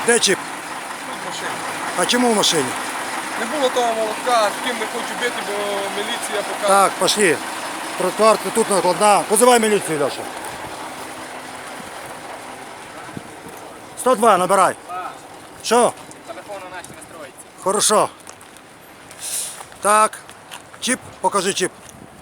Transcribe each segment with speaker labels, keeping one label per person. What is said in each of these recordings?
Speaker 1: Де чіп?
Speaker 2: Тут в машині.
Speaker 1: А чому в машині?
Speaker 2: Не було того молотка, з ким не хочу бити, бо міліція показує.
Speaker 1: Так, пошли. Тротуар тут накладна. Позивай міліцію, Льоша. 102, набирай. Що?
Speaker 3: Телефон у нас не строїться.
Speaker 1: Хорошо. Так. Чіп, покажи чіп.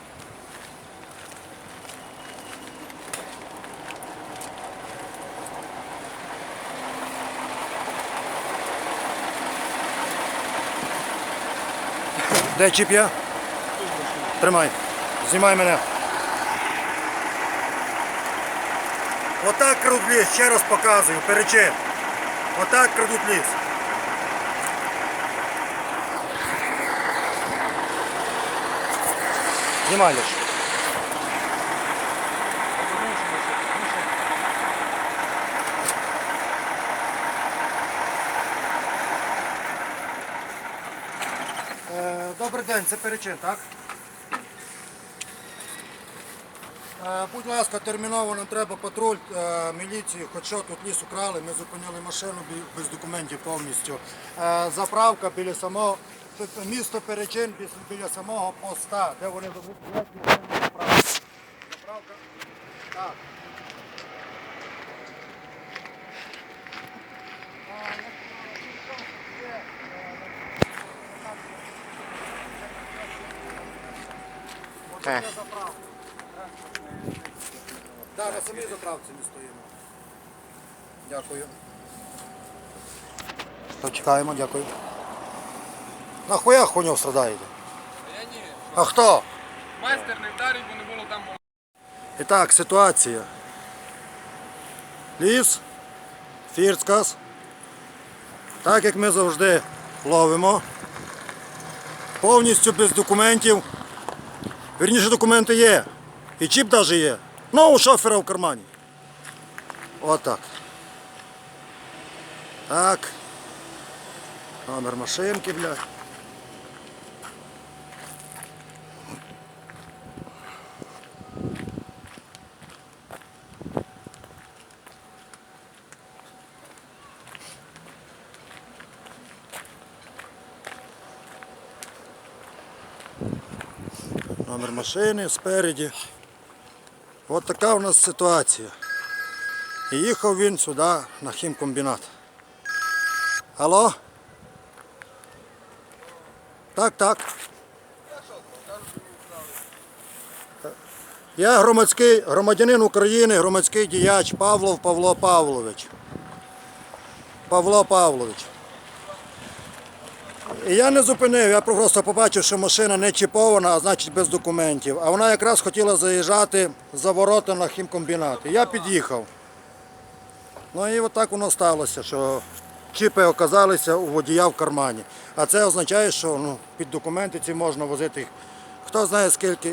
Speaker 1: Де чіп є? Тримай. Знімай мене. Отак крадуть ліс, ще раз показую, перечин. Отак крадуть ліс. Знімай лише. Добрий день, це перечин, так? Будь ласка, терміново нам треба патруль міліції, хоч що тут ліс украли, ми зупинили машину без документів повністю. Заправка біля самого, місто Перечин біля самого поста, де вони заправку. Заправка, так. Так, на самій заправці ми стоїмо. Дякую. Почекаємо, дякую. Нахуя хуйню страдаєте?
Speaker 2: А я ні.
Speaker 1: А хто?
Speaker 2: Майстер не вдарив, бо не було там молотка.
Speaker 1: І так, ситуація. Ліс, Фірцкас. Так як ми завжди ловимо. Повністю без документів. Вірніше, документи є. І чіп навіть є. Ну, у шофера в кармані. Отак. Так. Номер машинки, блядь. Номер машини спереді. От така у нас ситуація. І їхав він сюди на хімкомбінат. Алло? Так, так. Я громадянин України, громадський діяч Павлов Павло Павлович. Павло Павлович. І я не зупинив, я просто побачив, що машина не чіпована, а значить без документів. А вона якраз хотіла заїжджати за ворота на хімкомбінат. І я під'їхав. Ну і отак воно сталося, що чіпи оказалися у водія в кармані. А це означає, що під документи ці можна возити хто знає скільки.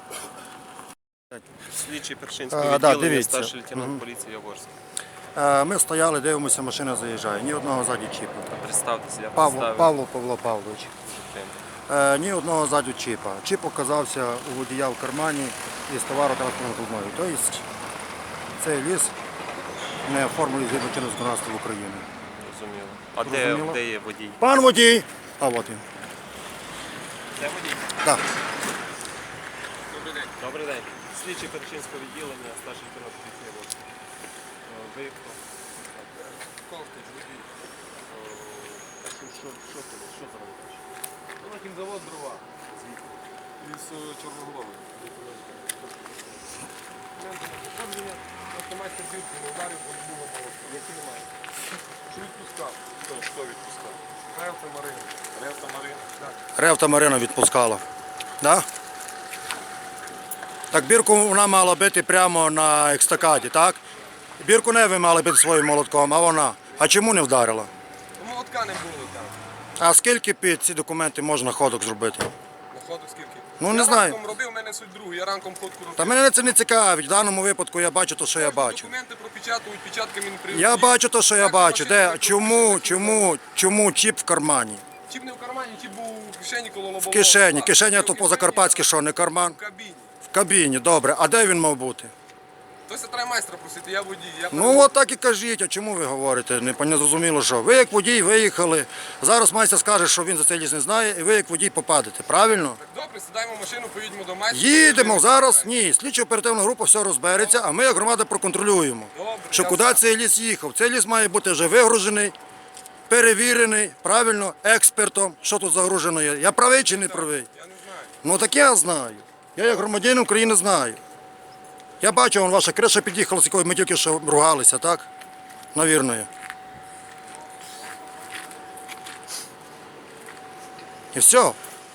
Speaker 4: Слідчий Першинського
Speaker 1: Да,
Speaker 4: відділення,
Speaker 1: дивіться.
Speaker 4: старший лейтенант поліції Яворський.
Speaker 1: Ми стояли, дивимося, машина заїжджає. Ні одного ззаді чіпа.
Speaker 4: Представтеся, я
Speaker 1: Павло
Speaker 4: представив.
Speaker 1: Павло Павлович.
Speaker 4: Дуже приємно.
Speaker 1: Ні одного ззаду чіпа. Чіп оказався у водія в кармані із товаротранспортною трудною. Тобто цей ліс не оформлений згідно чинного законодавства України.
Speaker 4: Розуміло. А
Speaker 1: Зрозуміло.
Speaker 4: де є водій?
Speaker 1: Пан водій! А от він.
Speaker 4: Де водій?
Speaker 1: Так.
Speaker 2: Добрий день.
Speaker 4: Добрий день. Слідчий Першинського відділення, старший лейтенант поліції Яворський. Виїхав.
Speaker 2: Ковтич, водій.
Speaker 4: Що за робиш?
Speaker 2: Ну, на кінзавод дрова. Із Чорноголової. Автоматська бірку не вдарив, бо не було молотка. Які немає? Що відпускав? Що відпускав? Ревта Марина. Ревта Марина? Так.
Speaker 1: Ревта Марина відпускала. Да? Так бірку вона мала бити прямо на екстакаді, так? Бірку не ви мали бити своїм молотком, а вона. А чому не вдарила?
Speaker 2: Ну, молотка не було там.
Speaker 1: А скільки під ці документи можна ходок зробити?
Speaker 2: На ходу скільки?
Speaker 1: Ну, не
Speaker 2: я
Speaker 1: знаю.
Speaker 2: ранком робив, в мене суть другу. Я ранком ходку робив.
Speaker 1: Та мене це не цікавить. В даному випадку я бачу те, що я бачу.
Speaker 2: Документи пропечатують, печатками не прийдуть.
Speaker 1: Я бачу те, що я бачу. Де, чому чіп в кармані?
Speaker 2: Чіп не в кармані, чіп був в кишені коло лобового.
Speaker 1: В кишені.
Speaker 2: скла.
Speaker 1: Кишеня то
Speaker 2: В
Speaker 1: по-закарпатськи що, не карман?
Speaker 2: В кабіні.
Speaker 1: В кабіні, добре. А де він мав бути?
Speaker 2: Хтось треба майстра просити, я водій.
Speaker 1: Ну от так і кажіть, а чому ви говорите? Не зрозуміло, що. Ви як водій виїхали, зараз майстер скаже, що він за цей ліс не знає, і ви як водій попадете, правильно?
Speaker 2: Добре, сідаємо в машину, поїдемо до майстра.
Speaker 1: Їдемо зараз, ні, слідчо оперативна група все розбереться, а ми як громада проконтролюємо,
Speaker 2: Добре,
Speaker 1: що
Speaker 2: я
Speaker 1: куди цей ліс їхав. Цей ліс має бути вже вигружений, перевірений, правильно, експертом, що тут загружено є. Я правий чи не правий?
Speaker 2: Я не знаю.
Speaker 1: Ну так я знаю. Я як громадянин України знаю. Я бачу, вон ваша криша під'їхала, з якою ми тільки що ругалися, так? Навірно. І все.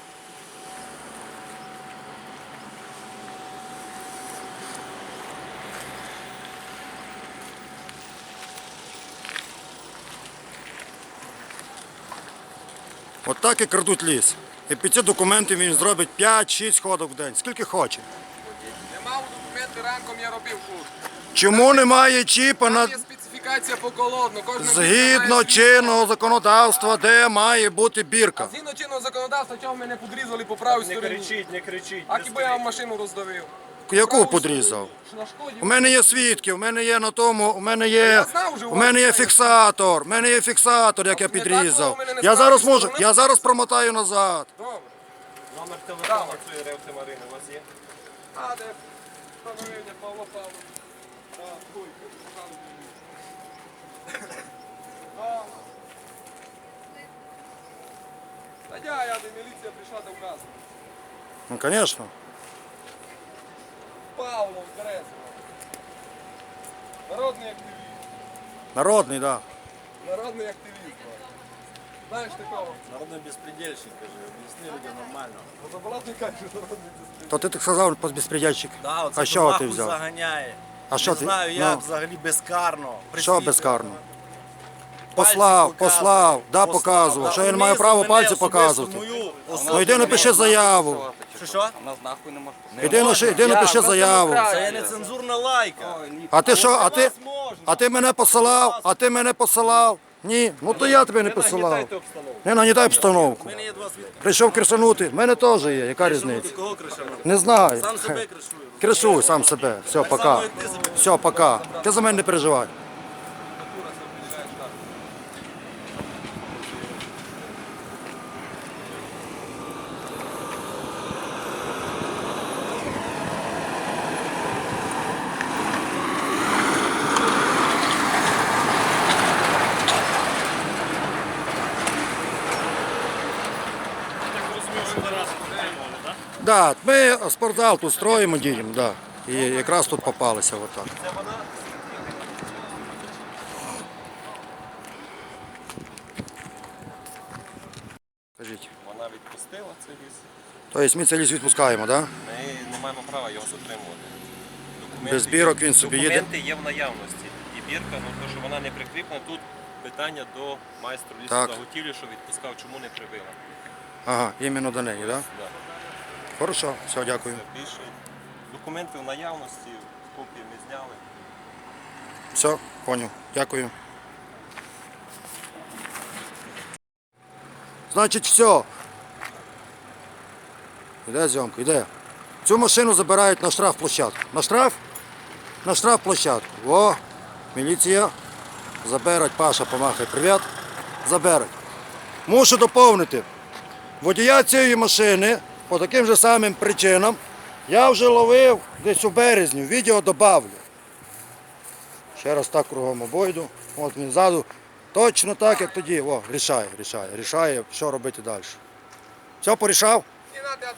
Speaker 1: От так і крадуть ліс. І під ці документи він зробить 5-6 ходок в день, скільки хоче.
Speaker 2: Не мав документи, ранком я робив курс.
Speaker 1: Чому немає чіпа на...
Speaker 2: Там є специфікація по колодну.
Speaker 1: Згідно чинного законодавства, де має бути бірка.
Speaker 2: Згідно чинного законодавства, чого мене подрізали по правій
Speaker 4: Не
Speaker 2: стороні.
Speaker 4: кричіть, не кричіть.
Speaker 2: А
Speaker 4: не
Speaker 2: хіба я
Speaker 4: стоїть.
Speaker 2: машину роздавив?
Speaker 1: Яку подрізав?
Speaker 2: На шкоді.
Speaker 1: У мене є свідки, у мене є на тому, у мене є,
Speaker 2: знав вже, у
Speaker 1: у
Speaker 2: вас
Speaker 1: мене є
Speaker 2: є.
Speaker 1: фіксатор, у мене є фіксатор, як я
Speaker 2: Не так,
Speaker 1: підрізав.
Speaker 2: у мене не
Speaker 1: Я зараз
Speaker 2: справді
Speaker 1: можу,
Speaker 2: сторони.
Speaker 1: я зараз промотаю назад.
Speaker 2: Добре.
Speaker 4: Номер телефону цієї ревти Марини у вас є?
Speaker 2: А, де встановлення Павла Павловича. Так, хуй, Та я де міліція прийшла до вказу.
Speaker 1: Ну, звісно.
Speaker 2: Павлов, Березова. Народний активіст.
Speaker 1: Народний, так.
Speaker 2: Народний активіст. Знаєш такого?
Speaker 3: Народный беспредельщик, скажи, объясни людям нормально.
Speaker 2: Заборатний каже, народний активіст.
Speaker 1: То ти так сказав безпредельщик.
Speaker 3: Да,
Speaker 1: А
Speaker 3: оце
Speaker 1: що
Speaker 3: нахуй
Speaker 1: ти взяв?
Speaker 3: заганяє.
Speaker 1: А що
Speaker 3: Не
Speaker 1: ти?
Speaker 3: знаю, я
Speaker 1: Ну.
Speaker 3: взагалі безкарно.
Speaker 1: Що
Speaker 3: Присвітлюю.
Speaker 1: безкарно?
Speaker 3: Пальці
Speaker 1: Послав,
Speaker 3: показую.
Speaker 1: послав, да, показував.
Speaker 3: да.
Speaker 1: Що я не
Speaker 3: Мені
Speaker 1: маю права
Speaker 3: мене
Speaker 1: пальці
Speaker 3: особисто
Speaker 1: показувати.
Speaker 3: мою
Speaker 1: Ну
Speaker 3: особу
Speaker 1: йди напиши заяву.
Speaker 3: Що?
Speaker 1: Іди напиши заяву.
Speaker 3: Це є нецензурна лайка.
Speaker 1: А ти що,
Speaker 3: А
Speaker 1: ти мене посилав? А ти мене посилав? Ні, ну то я тебе не посилав.
Speaker 4: Нагнітайте обстановку.
Speaker 1: Не нагнітай обстановку.
Speaker 3: У мене є два свідки.
Speaker 1: Прийшов кришанути, в мене теж є, яка різниця?
Speaker 3: Кого кришану?
Speaker 1: Не знаю.
Speaker 3: Сам себе кришую.
Speaker 1: Кришуй сам себе. Все, пока.
Speaker 3: само, як ти себе.
Speaker 1: Все, пока. Ти за мене не переживай. Да, ми спортзал тут строїмо діємо, да. І якраз тут попалися отак. Кажіть.
Speaker 4: Вона відпустила цей ліс.
Speaker 1: Тобто ми цей ліс відпускаємо, так? Да?
Speaker 4: Ми не маємо права його затримувати. Документи
Speaker 1: Без бірок він собі їде?
Speaker 4: Документи є в наявності. І бірка, ну то, що вона не прикріплена, тут питання до майстру
Speaker 1: Так.
Speaker 4: лісозаготівлі, що відпускав, чому не прибила.
Speaker 1: Ага, іменно до неї, так? Да?
Speaker 4: Да.
Speaker 1: Хорошо, все, дякую.
Speaker 4: Це більше. Документи в наявності, копії ми зняли.
Speaker 1: Все, понял. Дякую. Значить, все. Іде зйомка, іде. Цю машину забирають на штрафплощадку. На штраф? На штрафплощадку. О, міліція. Заберуть, Паша, помахай, привіт. Заберуть. Мушу доповнити. Водія цієї машини по таким же самим причинам я вже ловив десь у березні. Відео добавлю. Ще раз так кругом обойду. От він ззаду. Точно так, як тоді. О, рішає, що робити далі. Все, порішав?
Speaker 2: Не надо,